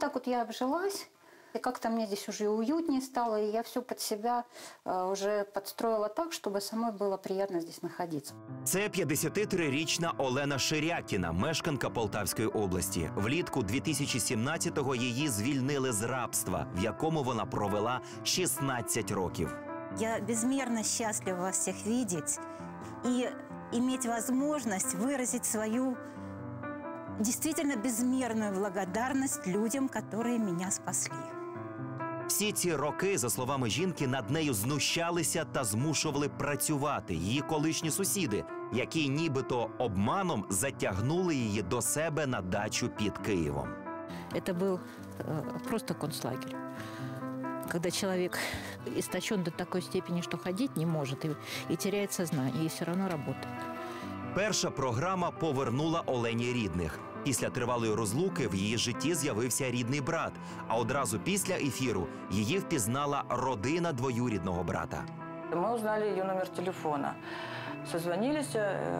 так вот я обжилась. И как-то мне здесь уже уютнее стало, и я все под себя уже подстроила так, чтобы самой было приятно здесь находиться. Це 53-річна Олена Ширякіна, мешканка Полтавської області. Влітку 2017-го її звільнили з рабства, в якому вона провела 16 років. Я безмерно счастлива вас всех видеть и иметь возможность выразить свою действительно безмерную благодарность людям, которые меня спасли. Всі ці роки, за словами жінки, над нею знущалися та змушували працювати її колишні сусіди, які нібито обманом затягнули її до себе на дачу під Києвом. Это был просто концлагерь. Когда человек истощен до такой степени, что ходить не может и теряет сознание, и все равно работает. Перша програма повернула Олені рідних. Після тривалої розлуки в її житті з'явився рідний брат, а одразу після ефіру її впізнала родина двоюрідного брата. Мы узнали ее номер телефона, созвонились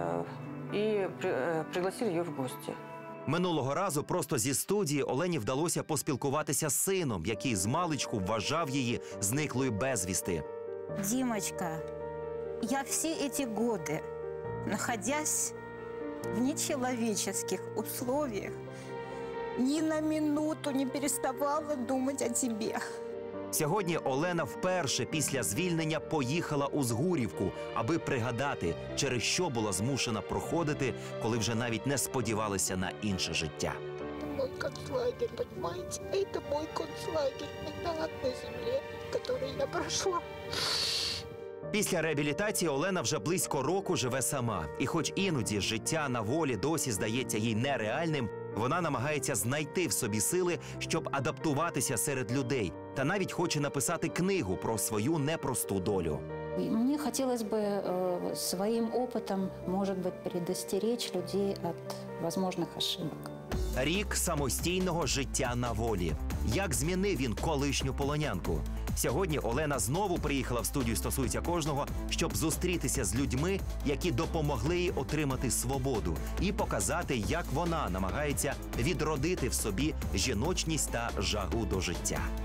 и пригласили ее в гости. Минулого разу просто зі студії Олені вдалося поспілкуватися з сином, який змалечку вважав її зниклою безвісти. Димочка, я все эти годы, находясь в нечеловеческих условиях, ни на минуту не переставала думать о тебе. Сьогодні Олена вперше після звільнення поїхала у Згурівку, аби пригадати, через що була змушена проходити, коли вже навіть не сподівалася на інше життя. Это мой концлагерь, понимаете? Это мой концлагерь. Это ад на земле, который я прошла. Після реабілітації Олена вже близько року живе сама. І хоч іноді життя на волі досі здається їй нереальним, вона намагається знайти в собі сили, щоб адаптуватися серед людей. Та навіть хоче написати книгу про свою непросту долю. Мне хотелось бы своим опытом, может быть, предостеречь людей от возможных ошибок. Рік самостійного життя на волі. Як змінив він колишню полонянку? Сьогодні Олена знову приїхала в студію «Стосується кожного», щоб зустрітися з людьми, які допомогли їй отримати свободу, і показати, як вона намагається відродити в собі жіночність та жагу до життя.